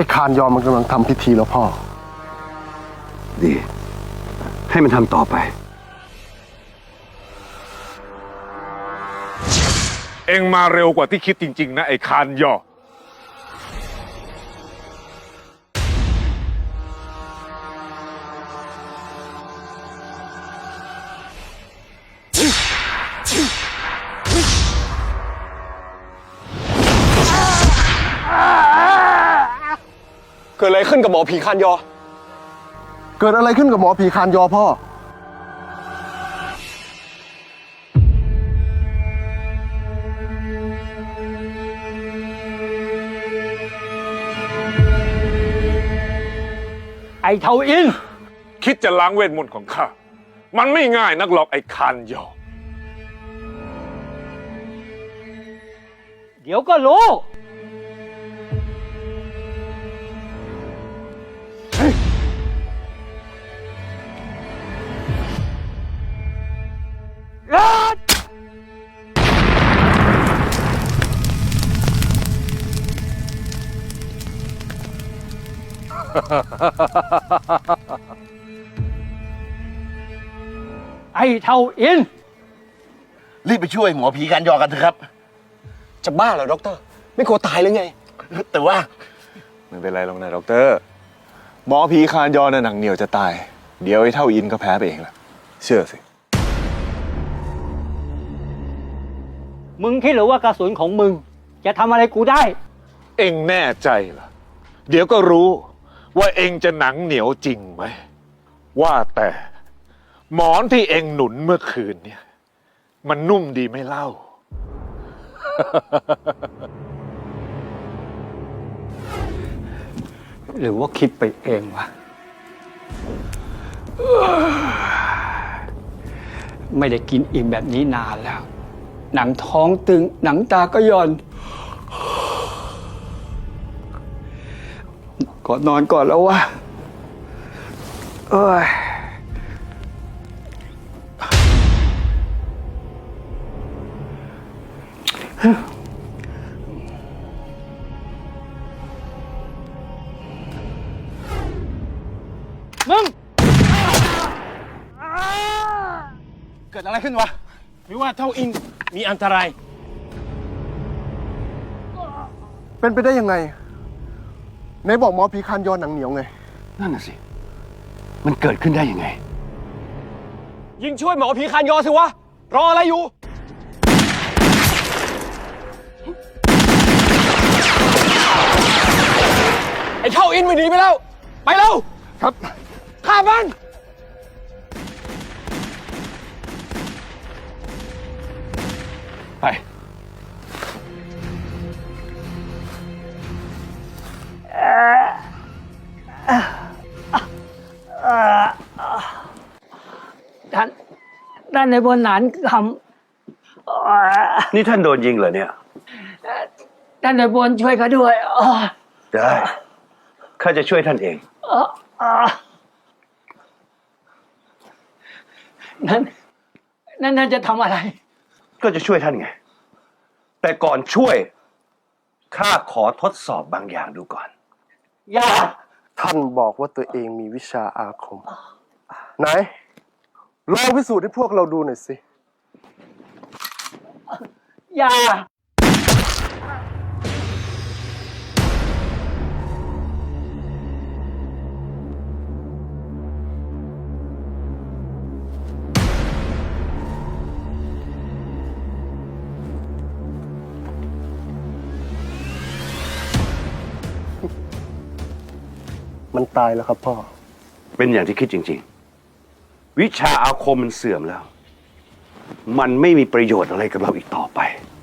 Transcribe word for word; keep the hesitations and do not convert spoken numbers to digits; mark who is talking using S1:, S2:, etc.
S1: อ้คานยอมมันกำลังทำพิธีแล้วพ่อ
S2: ดีให้มันทำต่อไป
S3: เอ็งมาเร็วกว่าที่คิดจริงๆนะไอ้คานยอ
S4: เกิดอะไรขึ้นกับหมอผีคานยอ
S1: เกิดอะไรขึ้นกับหมอผีคานยอพ่อ
S5: ไอ้เทาอิน
S3: คิดจะล้างเวทมนต์ของข้ามันไม่ง่ายนักหรอกไอ้คานยอ
S5: เดี๋ยวก็รู้ไอ้เท่าอิน
S6: รีบไปช่วยหมอผีการยอกันเถอะครับ
S4: จะบ้าเหรอด็อกเตอร์ไม่กลัวตายหรือไง
S6: แต่ว่า
S2: ไม่เป็นไรหรอกนะด็อกเตอร์หมอผีคานยอน่ะหนังเหนียวจะตายเดี๋ยวไอ้เท่าอินก็แพ้ไปเองแหละเชื่อสิ
S5: มึงคิดหรือว่ากระสุนของมึงจะทำอะไรกูได้
S3: เอ็งแน่ใจเหรอเดี๋ยวก็รู้ว่าเอ็งจะหนังเหนียวจริงไหมว่าแต่หมอนที่เอ็งหนุนเมื่อคืนเนี่ยมันนุ่มดีไม่เล่า
S5: หรือว่าคิดไปเองวะไม่ได้กินอิ่มแบบนี้นานแล้วหนังท้องตึงหนังตาก็ย่อนก่อนนอนก่อนแล้ววะเอ้ยมึง
S4: เกิดอะไรขึ้นวะหรือว่าเท่าอินมีอันตราย
S1: เป็นไปได้ยังไงไหนบอกหมอผีคานยอหนังเหนียวไง
S2: นั่นน่ะสิมันเกิดขึ้นได้ยังไง
S4: ยิงช่วยหมอผีคานยอสิวะรออะไรอยู่ไอ้เท่าอินไม่หนีไปแล้วไปแล้ว
S1: ครับ
S4: ฆ่ามัน
S2: ไป
S5: ท่านท่านในบนหนานค
S2: นี่ท่านโดนยิงเหรอเนี่ย
S5: ำท่านในบนช่วยเขาด้วย
S2: ได้ข้าจะช่วยท่านเอง
S5: นั่นนั่นท่านจะทำอะไร
S2: ก็จะช่วยท่านไงแต่ก่อนช่วยข้าขอทดสอบบางอย่างดูก่อน
S5: อย่า
S1: ท่านบอกว่าตัวเองมีวิชาอาคมไหนลองพิสูจน์ให้พวกเราดูหน่อยสิ
S5: อย่า
S1: มันตายแล้วครับพ่อ
S2: เป็นอย่างที่คิดจริงๆวิชาอาคมมันเสื่อมแล้วมันไม่มีประโยชน์อะไรกับเราอีกต่อไป